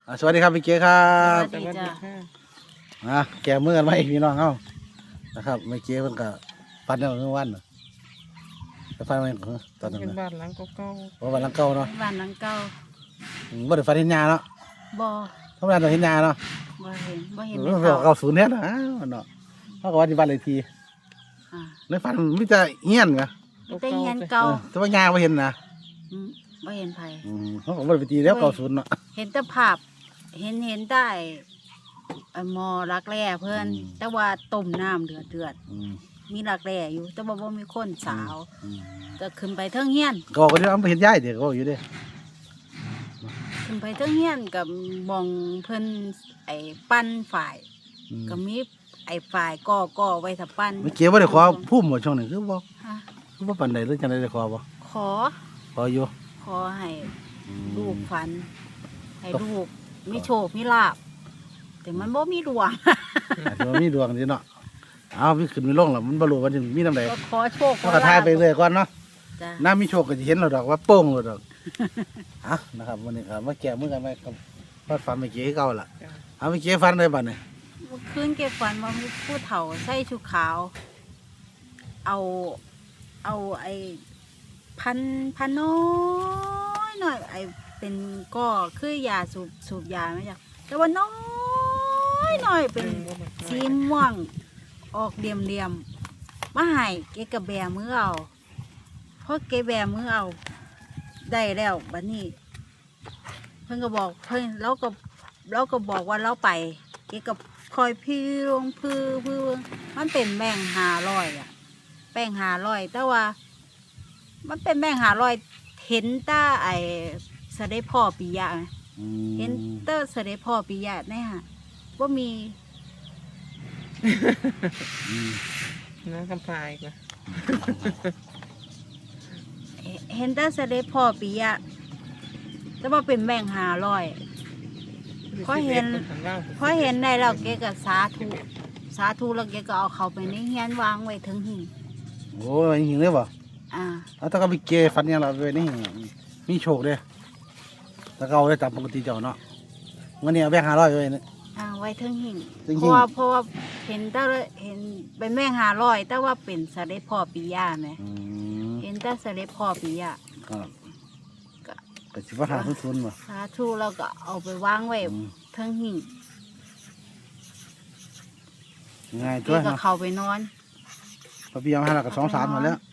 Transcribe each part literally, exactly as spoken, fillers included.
อ่าสวัสดีครับพี่เก๋ครัสบวัสดีจ้ะอ่ะแกมือกันไว้พี่น้องเขานะครับไม่เก๋เพิ่นก็ฟันได้เมื่อวันน่ะไปฟันมาตอนนั้นเป็นนะบ้านหลังเก่าเพราะวันหลังเก่าเนาะบ้านหลังเก่าอืมบ่ได้ฟันเห็นยาเนาะบ่ธรรมดาต้องเห็นยาเนาะบ่เห็นบ่เห็นเอในอเขาเก่าศูนย์เนี่ยนะอ้าวเนาะเขาก็ว่าที่บ้านเลขที่อ่าในฟันมิจะเฮี้ยนไงๆแต่เฮียนเอเก่าอแต่ว่ายาบ่เห็นนะอืมบ่เห็นไผอืมเขาก็บ่ได้ไปตีแล้วเก่าศูนย์เนาะเห็นแต่ภาพ เห็นเห็นได้ไอ้หมอรักแร้เพิ่นแต่ว่าต้มน้ำเดือดเดือดอืมๆมีรักแร้อยู่ แต่ว่าบ่มีคนสาวอืมก็ขึ้นไปเทิงเฮียนก็ก็ที่เอาไปเห็นยายเดี๋ยวก็บอกอยู่เด้ขึ้นไปเทิงเฮียนกับมองเพิ่นไอ้ปั้นฝ่ายอืมก็มีไอ้ฝ่ายก่อก่อไว้ถ้าปั้นไม่เก๋บ่ได้ขอพุ่มบ่ช่วงนี้คือบ่ฮะคือบ่ปานใดหรือจังได๋ได้ขอบ่ขอขออยู่ขอให้อืมลูกฝัน ให้ลูกมีโชคมีลาภแต่มันบ่มีดวงอาจจะมีดวงดีเนาะเอาพี่ขึ้นมีลงแล้วมันบรรลุวันนี้มีน้ำใดก็ขอโชคขก็อกระทายไปเรื่อยก่อนเนาะจ้ะน้ามีโชคก็จะเห็นเราดอกว่าโป้งเราดอก อ่ะนะครับวันนี้ครับมาแก้มือกันไหมครับฟันฟันไม่เกี้เก่าล่ะเอาไม่เกี้ฟันได้บ้านี่เมื่อคืนเก็บฝันว่ามีผู้เฒ่าใส่ชุดขาว เอา เอาไอ้พันพันน้อยหน่อยไอ้เป็นก็คือยาสูบสูบยาไหมจ๊ะแต่ว่าน้อยหน่อยเป็นสีม่วง ออกเหลี่ยมเหลี่ยมๆมาให้เกกระแบมือเอาเพราะเกแบมือเอา ได้แล้วบัดนี้ เพิ่นก็บอกเพิ่นเราก็เราก็บอกว่าเราไป เกก็คอยพี่ลงพื้อพื้อมันเป็นแบ่งหาร้อยอ่ะแป้งหาร้อยแต่ว่า มันเป็นแบ่งหาร้อยเห็นแตาไอ้เสด็จพ่อปิยะไหมอืเห็นมเตอเสด็จพ่อปิยะเนี่ยฮะว่ามีอืมน้ำคำพายก็เห็นแต่เสด็จพ่อปิยะแต่ว่าเป็นแบ่งหาร้อย พอเห็น พอเห็นได้แล้วเกก็สาธุสาธุแล้วเกก็เอาเขาไปในเฮียนวางไว้ถึงหิ้งโอ้ยหิงเลยบ่อ่าเอาถ้าก็ไปเกี้ฟันยังเราไปนี่มีโชคเด้ถ้าเขาได้ตามปกติเจ้าเนาะวันนี้เอาแบงค์ห้าร้อยไว้นี่อ่าไว้ถึงหิ้งถึงเพหิ้งราะว่าเพราะว่าเห็นแต่เห็นเป็นแบ่งหาร้อยแต่ว่าเป็นเสด็จพ่อปิยะไหมอืมเห็นแต่เสด็จพ่อปิยะครับก็ก็สิว่าหาทุนๆบ่สาธุแล้วก็เอาไปวางไว้อืมถึงหิ้งง่ายเกตัวก็เนาะเข้าไปนอนพอพี่เอามาให้เราก็สองสามหมดแล้ว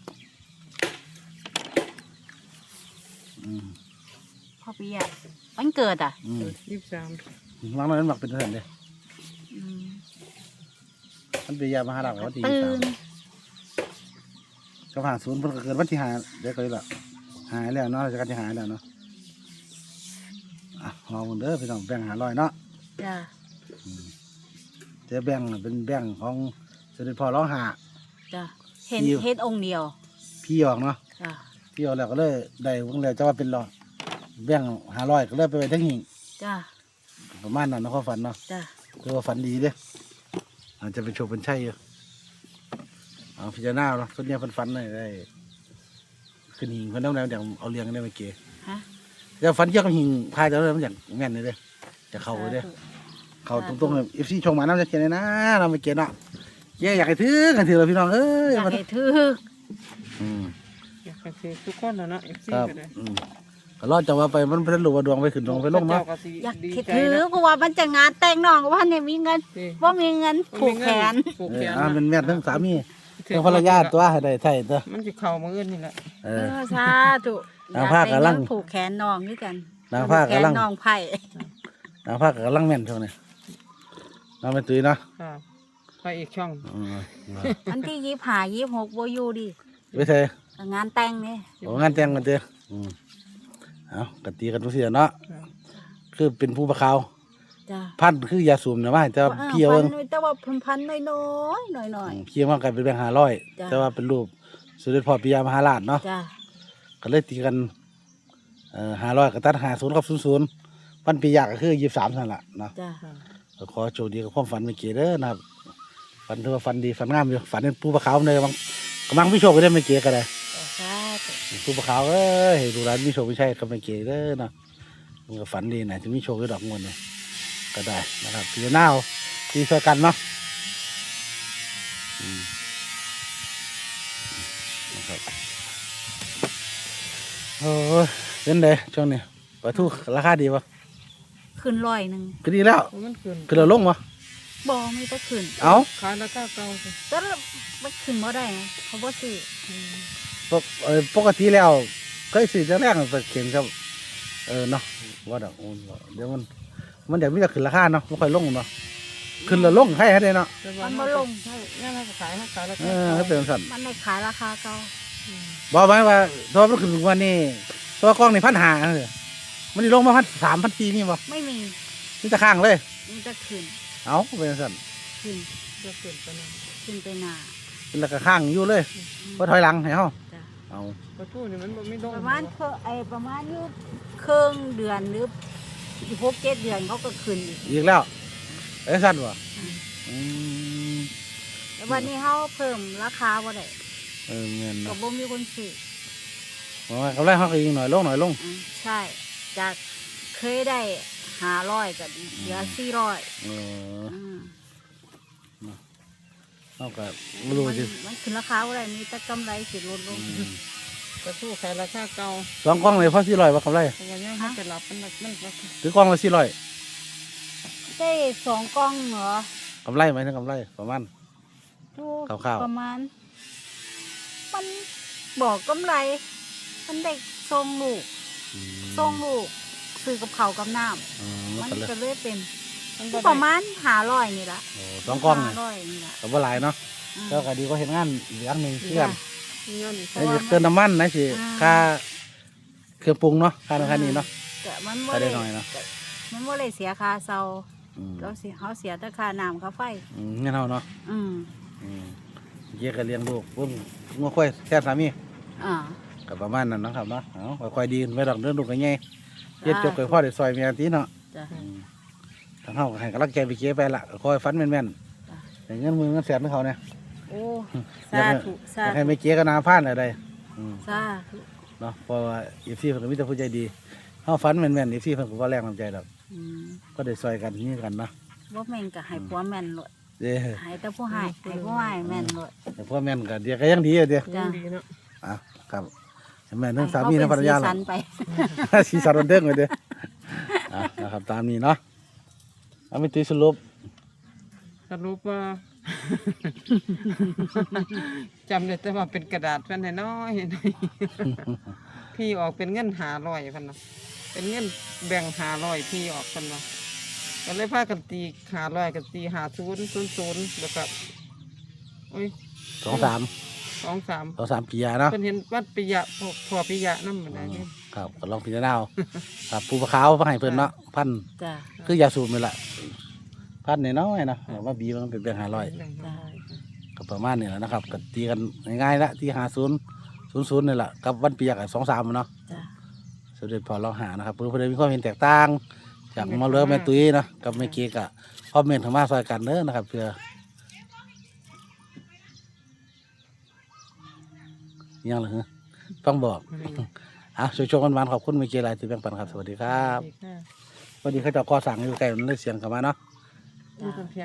อืมพ่อปิยะวันเกิดอ่ะอืมยี่สิบสามวางน้อยนั้นหมักเป็นเท่าไหร่เด้อืมมันเป็นยามาหาเราวันที่ตื่สามนก็ผ่านศูนย์เพิ่นก็เกิดวันที่ห้าเดี๋ยวก็เลยละหายแล้วเนาะราชการที่หายแล้วเนาะอ่ะลองเด้อพี่น้องแบ่งหาร้อยเนาะจ้ะเจะแบ่งน่ะเป็นแบ่งของเสด็จพ่อร้องหาจ้ะเห็นพี่เห็นองค์เดียวพี่ออกเนาะจ้ะพี่ออกแล้วก็เลยได้วงแล้วจะว่าเป็นร้อยแบ่งหาร้อยก็เลยไปไว้ทั้งหิ่งจ้ะประมาณนั้นเนาะความฝันเนาะจ้ะคือว่าฝันดีเด้ออาจจะเป็นโชคเป็นชัยอยู่เอาพิจารณาเนาะส่วนใหญ่เพิ่นฝันได้ได้ขึ้นหิ่งเพิ่นต้องแล้วอย่างเอาเลี้ยงกันได้เมื่อกี้ฮะแต่ฝันเกี่ยวกับหิ่งพายแต่ว่ามันอย่างแม่นเลยเด้อจะเข้าเลยเด้อ เขาตรงๆเลยเอฟซีชงมาน้ำจะเขียนเลยนะเราไม่เขียนเนาะแย่อยากให้ถือกันถือเลยพี่น้องเอ้ยอยากมาให้ถืออืมอยากให้ซื้อทุกคนแล้วเนาะเอฟซีครับก็ได้อืมก็รอดจากว่าไปมันเพิ่นรู้ว่าดวงไปขึ้นดวงไปลงเนาะอยากให้ถือเพราะว่ามันจะงานแต่งน้องว่าเนี่ยมีเงินว่ามีเงินผูกแขนผูกเอแขอน อ่านะเป็นแม่ทั้งสามีทั้งภรรยาตัวให้ได้ไทยตัวมันจะเข่ามืออื่นนี่แหละเอเอออสาธุนางผ้ากำลังอยได้เนผูกแขนน้องด้วยกันนางผ้ากำลังผูแขนน้องไผ่นางภาคกับลังแม่นช่วงนี้น้องเป็นตุ้ยเนาะครับไปอีกช่องอืมอันที่ยี่ห้ายี่หกโบอยูดิไปเถอะงานแต่งเนี่ยโอ้งานแต่งกันเด้ออืมเอากตีกันทุกเสียเนาะคือเป็นผู้ประคาวจ้ะพันคือยาสูบนะว่าจะเพียวพัเอินงหน่อยแต่ว่าพันพันน้อยน้อยน้อยน้อยเพียวมากกลายเป็นแบงค์ห้าร้อยจ้ะแต่ว่าเป็นรูปสมเด็จพ่อปิยมหาราชเนาะๆจ้ะก็เลยตีกันเอ่อห้าร้อยกับตัดหาศูนย์กับศูนย์ศูนย์พันปียากก็คือยี่สิบสามนั่นแหละเนาะจ้ะก็ขอโชคดีกับความฝันเมื่อกี้เด้อนะครับฝันถือว่าฝันดีฝันงามอยู่ฝันเป็นผู้ประคาวเลยบางกำลังมีโชคก็ได้เมื่อกี้ก็ได้สาธุผู้ประคาวเอ้ยให้ดูร้านมีโชคไม่ใช่กับเมื่อกี้เด้อเนาะมันก็ฝันดีนะจะมีโชคด้วยดอกงวดเนี่ยก็ได้นะครับพี่น้าวที่ช่วยกันเนาะอืมนะครับโอ้ยเป็นไงช่วงนี้ปลาทูราคาดีปะขึ้นร้อยหนึ่งก็ดีแล้วมันขึ้นคือเราลงปะบ่มีแต่ขึ้นเอ้าขายราคาเก่าสิแต่ละมันขึ้นบ่ได้ไงเขาบ่ซื้ออืมปกเอ่อปกติแล้วเคยซื้อจะแรกมันเขียนครับเออเนาะว่าดอกโอ้ยเดี๋ยวมันมันเดี๋ยวมันจะขึ้นราคาเนาะไม่ค่อยลงเนาะขึ้นแล้วลงให้ให้ได้เนาะแต่ว่ามันบ่ลงใช่งั้นเราก็ขายให้ขายราเอคาอเก่าให้เป็นสั่นมันได้ขายราคาเก่าอืมบอกไว้ว่าถ้ามันขึ้นวันนี้ตัวกล้องในพันหาเลยมันได้ลงมาพันสามพันสี่นี่บ่ไม่มีนี่จะข้างเลยมันจะขึ้นเอาเป็นสั่นขึ้นจะขึ้นไปหน่อยขึ้นไปหน้าเป็นแล้วก็ข้างอยู่เลยพอถอยหลังให้เฮาจ้ะเอาปลาทูนี่มันบ่ไม่ลงประมาณเพิ่นไอ้ประมาณอยู่ครึ่งเดือนหรือหกเจ็ดเดือนเขาก็ขึ้นอีกอีกแล้วเอ้ยสั่นบ่อืมแต่วันนี้เขาเพิ่มราคาบ่ได้เออเงินก็เนาะบ่มีคนซื้อบอกว่ากำไรเขาก็ยิงหน่อยลงหน่อยลงอืมใช่ จากเคยได้ห้าร้อยก็เหลือสี่ร้อยเอออืมเขาก็ไม่รู้มันสิมันขึ้นราคาบ่ได้มีแต่กำไรสิลดลงอืมปลาทูขายราคาเก่าสองกล้องเลยพอสี่ร้อยว่ากำไรเพราะว่ายังเขาไปรับมันมันราคาถือกล้องละสี่ร้อยได้สองกล่องเหรอกำไรไหมถึงกำไรประมาณถูกคร่าวๆประมาณ มันบอกกำไร มันได้ทรงลูกอืมทรงลูกซื้อกับเขาวกับน้ำอืมมันก็เลยก็เลยเป็นมันบ่ปได้ระมาณห้าร้อยนี่ละโอ้สองกล้องเนี่ยห้าร้อยนี่ละก็บ่หลายเนาะอืมก็ก็ดีก็เห็นงานอีกอย่างหนึ่งเพื่อนมีเงินอีกเพไอ้ราะว่าเติมน้ำมันนะสิอ่าค่าเครื่องปรุงเนาะค่านั้นค่านี้เนาะแต่มันบ่ก็ได้ได้หน่อยเนาะมันบ่ได้เสียค่าเซาอืมเราเสียเขาเสียแต่ค่าน้ำค่าไฟอืมเงี้ยเท่าเนาะอืมอืมเยี่ยก็เลี้ยงลูกพุ่งงัวควายแค่สามีอ่าก็ประมาณนั้นเนาะครับเนาะเอาค่อยๆดีไปดอกเดินลูกกันไงเย็ดจบกับพ่อได้ซอยเมียทีเนาะจ้ะอืมทางเฮาก็ให้กำลังใจไปเก็บไปละคอยฟันแม่นจ้ะๆแต่เงินมือเงินแสนของเขาเนี่ยโอ้อยากสาให้ธุอสายากให้ธุไม่เกี้ก็นาพลาดอะไรอืมสาธุเนาะเพราะว่าอีซี่เพิ่นก็มีแต่ผู้ใจดีเฮาฟันแม่นๆอีซี่เพิ่นก็บ่แรงน้ำใจดอกอืมก็ได้ซอยกันนี่กันเนาะบ่แม่นก็ให้ผัวแม่นโลดเด้อให้แต่ผู้ให้ให้ผู้ให้แม่นโลดแต่พ่อแม่นก็เดี๋ยวก็ยังดีอยู่เด้อจ้ะดีเนาะอ่ะครับแม่นทั้งสามีทั้งภรรยาให้เขล่ะเป็นสีสันไปสีสันบันเทิงเลยเด้ออ่ะนะครับตามนี้เนาะเอาไปตีสรุปสรุปว่า จำได้แต่ว่าเป็นกระดาษแผ่นน้อยๆ พี่ออกเป็นเงินหาร้อยพันนะเป็นเงินแบ่งหาร้อยพี่ออกพันนะก็เลยพากันตีหาร้อยกันตีหาศูนย์ศูนย์ศูนย์แล้วก็โอ้ยสองสามสองสามสองสามปียาเนาะเพิ่นเห็นวัดปิยะพอพอปิยะนั่นเหมือนกันเนี่ยครับก็ลองพิจารณาเอาครับปูปลาขาวมาให้เพิ่นเนาะพันจ้ะคือยาสูบนี่แหละพันน้อยๆเนาะเอามาบีมันเป็นเพียงห้าร้อยแบ่งหาร้อยก็ประมาณนี้แหละนะครับก็ตีกันง่ายๆละที่หาศูนย์ศูนย์ศูนย์นี่แหละกับวันปียกสองสามเนาะจ้ะสมเด็จพอเราหานะครับเพื่อนเพื่อนมีความเห็นแตกต่างจากหมาเลือแม่ตุ้ยเนาะกับแม่เก๊กอะคอมเมนต์ทางมาซอยกันเด้อนะครับเพื่อยังเหรอฮะต้องบอกอ่ะช่วยๆกันวันขอบคุณแม่เก๊หลายที่แบ่งปันครับสวัสดีครับสวัสดีค่ะสวัสดีเขาเจะก่อสั่งอยู่ไกลมันเลยเสียงกลับมาเนาะมีคนเพียง